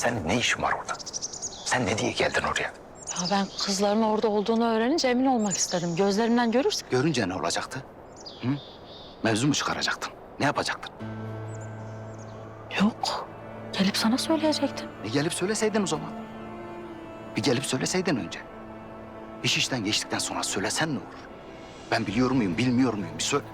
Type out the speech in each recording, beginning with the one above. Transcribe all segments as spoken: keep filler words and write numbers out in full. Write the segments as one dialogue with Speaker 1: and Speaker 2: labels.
Speaker 1: Senin ne işin var orada? Sen ne diye geldin oraya?
Speaker 2: Ya ben kızların orada olduğunu öğrenince emin olmak istedim. Gözlerimden görürsün.
Speaker 1: Görünce ne olacaktı? Hı? Mevzu mu çıkaracaktın? Ne yapacaktın?
Speaker 2: Yok. Gelip sana söyleyecektim.
Speaker 1: E gelip söyleseydin o zaman. Bir gelip söyleseydin önce. İş işten geçtikten sonra söylesen ne olur? Ben biliyor muyum, bilmiyor muyum? Bir söyle.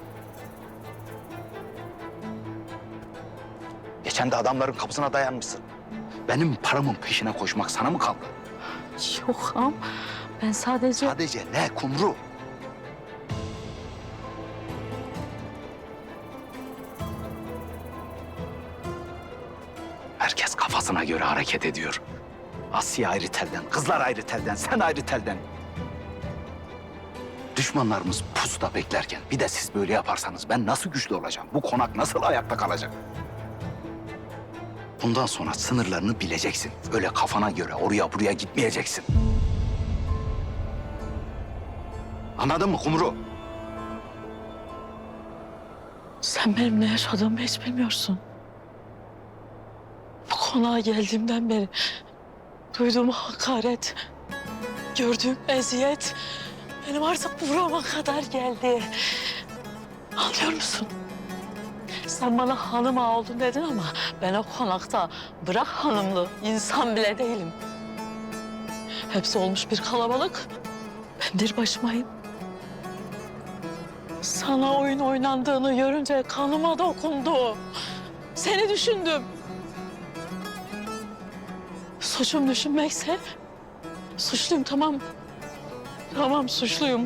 Speaker 1: Geçen de adamların kapısına dayanmışsın. Benim paramın peşine koşmak sana mı kaldı?
Speaker 2: Yok am. Ben sadece...
Speaker 1: Sadece ne Kumru? Herkes kafasına göre hareket ediyor. Asya ayrı telden, kızlar ayrı telden, sen ayrı telden. Düşmanlarımız pusuda beklerken bir de siz böyle yaparsanız ben nasıl güçlü olacağım? Bu konak nasıl ayakta kalacak? Bundan sonra sınırlarını bileceksin. Öyle kafana göre oraya buraya gitmeyeceksin. Anladın mı Kumru?
Speaker 2: Sen benim ne yaşadığımı hiç bilmiyorsun. Bu konağa geldiğimden beri duyduğum hakaret, gördüğüm eziyet benim artık burama kadar geldi. Anlıyor musun? Sen bana hanım ağa oldun dedin ama ben o konakta bırak hanımlı insan bile değilim. Hepsi olmuş bir kalabalık. Ben bir başımayım. Sana oyun oynandığını görünce kanıma dokundu. Seni düşündüm. Suçum düşünmekse suçluyum, tamam. Tamam, suçluyum.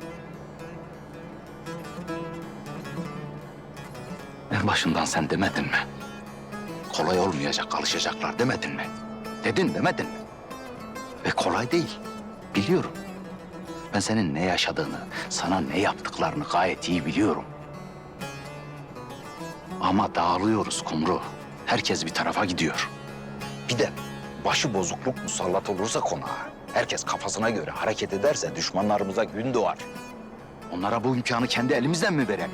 Speaker 1: En başından sen demedin mi? Kolay olmayacak, alışacaklar demedin mi? Dedin demedin mi? Ve kolay değil, biliyorum. Ben senin ne yaşadığını, sana ne yaptıklarını gayet iyi biliyorum. Ama dağılıyoruz Kumru. Herkes bir tarafa gidiyor. Bir de başı bozukluk musallat olursa konağa, herkes kafasına göre hareket ederse düşmanlarımıza gün doğar. Onlara bu imkanı kendi elimizden mi verelim?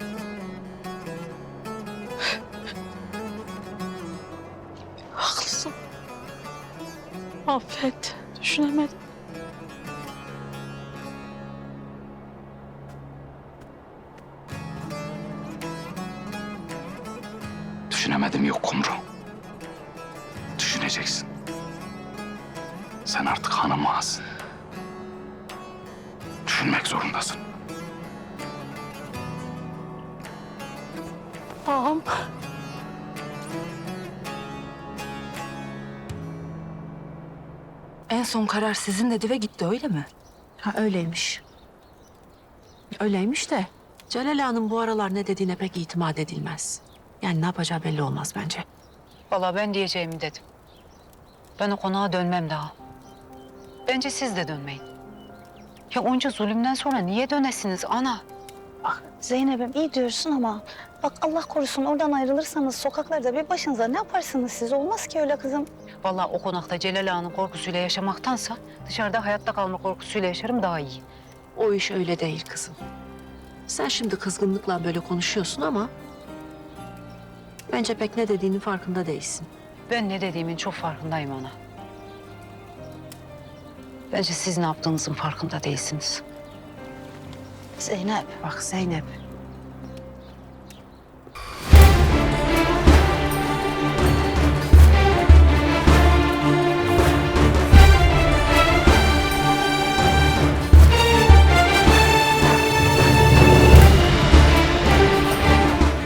Speaker 2: Haklısın. Affet, düşünemedim.
Speaker 1: Düşünemedim yok Kumru. Düşüneceksin. Sen artık hanım ağasın. Düşünmek zorundasın.
Speaker 2: Ağam.
Speaker 3: En son karar sizin dedi ve gitti, öyle mi?
Speaker 4: Ha öyleymiş. Öyleymiş de Celal Ağa'nın bu aralar ne dediğine pek itimat edilmez. Yani ne yapacağı belli olmaz bence.
Speaker 3: Vallahi ben diyeceğimi dedim. Ben o konağa dönmem daha. Bence siz de dönmeyin. Ya onca zulümden sonra niye dönesiniz ana?
Speaker 5: Bak Zeynep'im iyi diyorsun ama bak Allah korusun oradan ayrılırsanız sokaklarda bir başınıza ne yaparsınız siz? Olmaz ki öyle kızım.
Speaker 3: Vallahi o konakta Celal Ağa'nın korkusuyla yaşamaktansa dışarıda hayatta kalma korkusuyla yaşarım daha iyi.
Speaker 4: O iş öyle değil kızım. Sen şimdi kızgınlıkla böyle konuşuyorsun ama bence pek ne dediğinin farkında değilsin.
Speaker 3: Ben ne dediğimin çok farkındayım ana. Bence siz ne yaptığınızın farkında değilsiniz.
Speaker 5: Zeynep.
Speaker 4: Bak Zeynep,